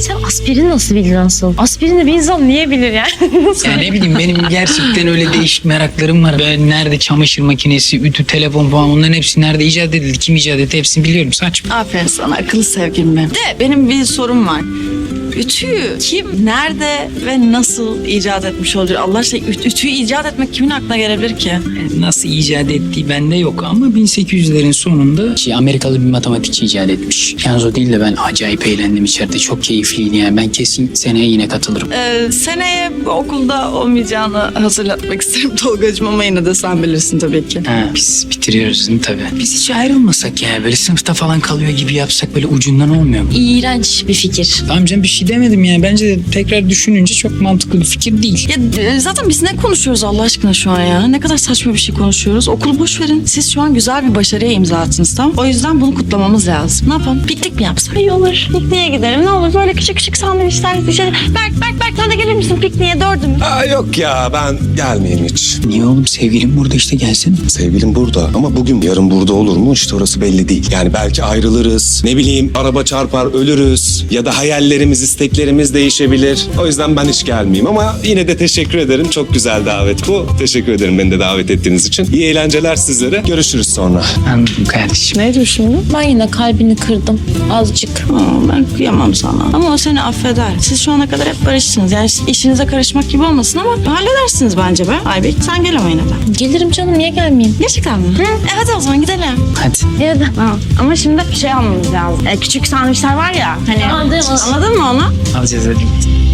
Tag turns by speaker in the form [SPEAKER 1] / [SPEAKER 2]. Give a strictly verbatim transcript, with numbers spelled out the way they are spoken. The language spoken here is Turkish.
[SPEAKER 1] Sen aspirin nasıl bildin asıl? Aspirini bir insan niye bilir yani? Nasıl?
[SPEAKER 2] Ya ne bileyim benim gerçekten öyle değişik meraklarım var. Ben nerede çamaşır makinesi, ütü, telefon falan onların hepsi nerede icat edildi, kim icat etti hepsini biliyorum. Saçma.
[SPEAKER 3] Aferin sana akıllı sevgilim benim. De benim bir sorum var. Ütüyü kim, nerede ve nasıl icat etmiş olabilir? Allah aşkına üt- ütüyü icat etmek kimin aklına gelebilir ki?
[SPEAKER 2] Nasıl icat ettiği bende yok ama bin sekiz yüzlerin sonunda şey, Amerikalı bir matematikçi icat etmiş. Yalnız o değil de ben acayip eğlendim içeride. Çok keyifliydi yani. Ben kesin seneye yine katılırım.
[SPEAKER 3] Ee, seneye okulda olmayacağını hatırlatmak isterim Tolgacığım ama yine de sen bilirsin tabii ki.
[SPEAKER 2] Ha, biz bitiriyoruz değil mi tabii? Biz hiç ayrılmasak ya. Böyle sınıfta falan kalıyor gibi yapsak böyle ucundan olmuyor mu?
[SPEAKER 1] İğrenç bir fikir.
[SPEAKER 2] Tamam canım bir şey demedim yani. Bence de tekrar düşününce çok mantıklı bir fikir değil.
[SPEAKER 3] Ya e, zaten biz ne konuşuyoruz Allah aşkına şu an ya? Ne kadar saçma bir şey konuşuyoruz. Okulu boş verin. Siz şu an güzel bir başarıya imza attınız tamam. O yüzden bunu kutlamamız lazım. Ne yapalım? Piknik mi yapsak?
[SPEAKER 1] İyi olur. Pikniğe gidelim. Ne olur böyle küçük küçük sandviçler dışarı. Berk, Berk, Berk sen de gelir misin pikniğe dördümüz?
[SPEAKER 4] Aa, yok ya ben gelmeyeyim hiç.
[SPEAKER 2] Niye oğlum sevgilim burada işte gelsin.
[SPEAKER 4] Sevgilim burada ama bugün yarın burada olur mu işte orası belli değil. Yani belki ayrılırız, ne bileyim araba çarpar ölürüz ya da hayallerimiz, isteklerimiz değişebilir. O yüzden ben hiç gelmeyeyim ama yine de teşekkür ederim. Çok güzel davet bu. Teşekkür ederim beni de davet ettiğiniz için. İyi eğlenceler sizlere. Görüşürüz sonra.
[SPEAKER 2] Anladım kardeşim.
[SPEAKER 3] Ne düşündün?
[SPEAKER 1] Ben yine kalbini kırdım. Azıcık.
[SPEAKER 3] Aa, ben kıyamam sana. Ama o seni affeder. Siz şu ana kadar hep barıştınız. Yani işinize karışmak gibi olmasın ama halledersiniz bence be. Aybek sen gel ama yine de.
[SPEAKER 1] Gelirim canım niye gelmeyeyim?
[SPEAKER 3] Gerçekten mi? Hı. E hadi o zaman gidelim.
[SPEAKER 2] Hadi.
[SPEAKER 1] Ya da.
[SPEAKER 5] Ha, ama şimdi şey almamız lazım. E, küçük sandviçler var ya. Hani
[SPEAKER 1] Anladım.
[SPEAKER 3] Anladın mı onu?
[SPEAKER 2] Alacağız hadi.